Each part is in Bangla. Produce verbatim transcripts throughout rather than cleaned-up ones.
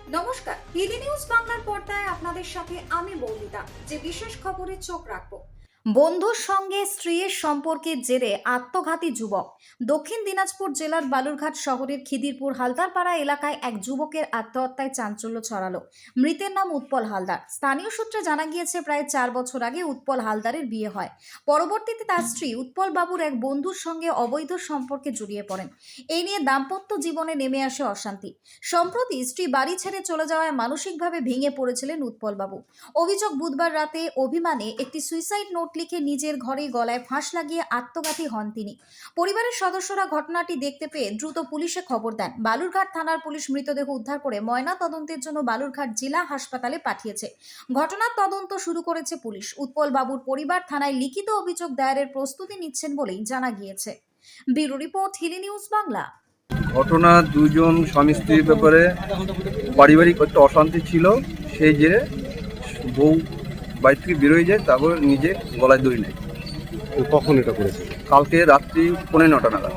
নমস্কার, ডিডি নিউজ বাংলার পর্দায় আপনাদের সাথে আমি বৌমিতা। যে বিশেষ খবরে চোখ রাখবো, বন্ধুর সঙ্গে স্ত্রীর সম্পর্কের জেরে আত্মঘাতী যুবক। দক্ষিণ দিনাজপুর জেলার বালুরঘাট শহরের খিদিরপুর হালদারপাড়া এলাকায় এক যুবকের আত্মহত্যায় চাঞ্চল্য ছড়ালো। মৃতের নাম উৎপল হালদার। স্থানীয় সূত্রে জানা গিয়েছে, প্রায় চার বছর আগে উৎপল হালদারের বিয়ে হয়। পরবর্তীতে তার স্ত্রী উৎপল বাবুর এক বন্ধুর সঙ্গে অবৈধ সম্পর্কে জড়িয়ে পড়েন। এই নিয়ে দাম্পত্য জীবনে নেমে আসে অশান্তি। সম্প্রতি স্ত্রী বাড়ি ছেড়ে চলে যাওয়ায় মানসিকভাবে ভেঙে পড়েছিলেন উৎপল বাবু। অভিযোগ, বুধবার রাতে অভিমানে একটি সুইসাইড নোট লিখে নিজের ঘরে গলায় ফাঁস লাগিয়ে আত্মঘাতী হন তিনি। পরিবারের সদস্যরা ঘটনাটি দেখতে পেয়ে দ্রুত পুলিশে খবর দেন। বালুরঘাট থানার পুলিশ মৃতদেহ উদ্ধার করে ময়না তদন্তের জন্য বালুরঘাট জেলা হাসপাতালে পাঠিয়েছে। ঘটনার তদন্ত শুরু করেছে পুলিশ। উৎপল বাবুর পরিবার থানায় লিখিত অভিযোগ দায়েরের প্রস্তুতি নিচ্ছেন বলেই জানা গিয়েছে। Bureau report, Hili news Bangla. ঘটনা দুজন স্বামী স্ত্রীর ব্যাপারে পারিবারিক একটা অশান্তি ছিল, সেই জেরে বউ বাড়ি থেকে বেরোয় যায়, তারপর নিজে গলায় দড়ি নেয়। তো কখন এটা করেছে? কালকে রাত্রি পৌনে নটা নাগাদ।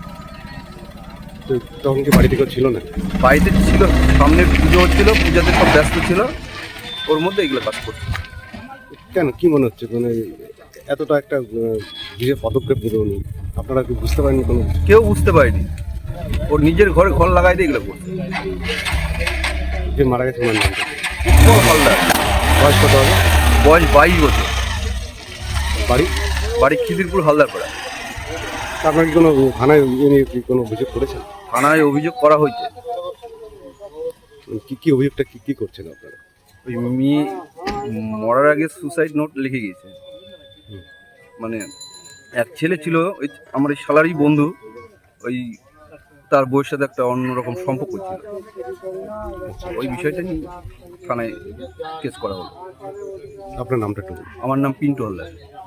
তো তখন কি বাড়িতে কেউ ছিল না? বাড়িতে ছিল, সামনে পুজো হচ্ছিল, পূজাতে সব ব্যস্ত ছিল, ওর মধ্যে এগুলো কাজ করছে। কেন, কি মনে হচ্ছে মানে এতটা একটা আহ, বিশেষ পদক্ষেপ নিল উনি? আপনারা কি বুঝতে পারেননি কোনো? কেউ বুঝতে পারেনি, ওর নিজের ঘরে ঘর লাগাই দিয়ে এগুলো করছে। যে মারা গেছে ওনার নামটা? উৎপল হালদার। বয়স কত হবে? বয়স বাইশ বছর। বাড়ি? বাড়ি খিদিরপুর হালদারপাড়া। তা আপনারা কি কোনো থানায় ইয়ে নিয়ে কি কোনো অভিযোগ করেছেন? থানায় অভিযোগ করা হয়েছে। কি কি অভিযোগটা কি কি করছেন আপনারা? ওই মেয়ে মরার আগে সুসাইড নোট লিখে গিয়েছে। মানে এক ছেলে ছিল, ওই আমার এই শালারই বন্ধু, ওই তার বউয়ের সাথে একটা অন্যরকম সম্পর্ক ছিল। ওই বিষয়টা নিয়ে থানায় কেস করা হলো। আপনার নামটা একটু বলুন। আমার নাম পিন্টু হালদার।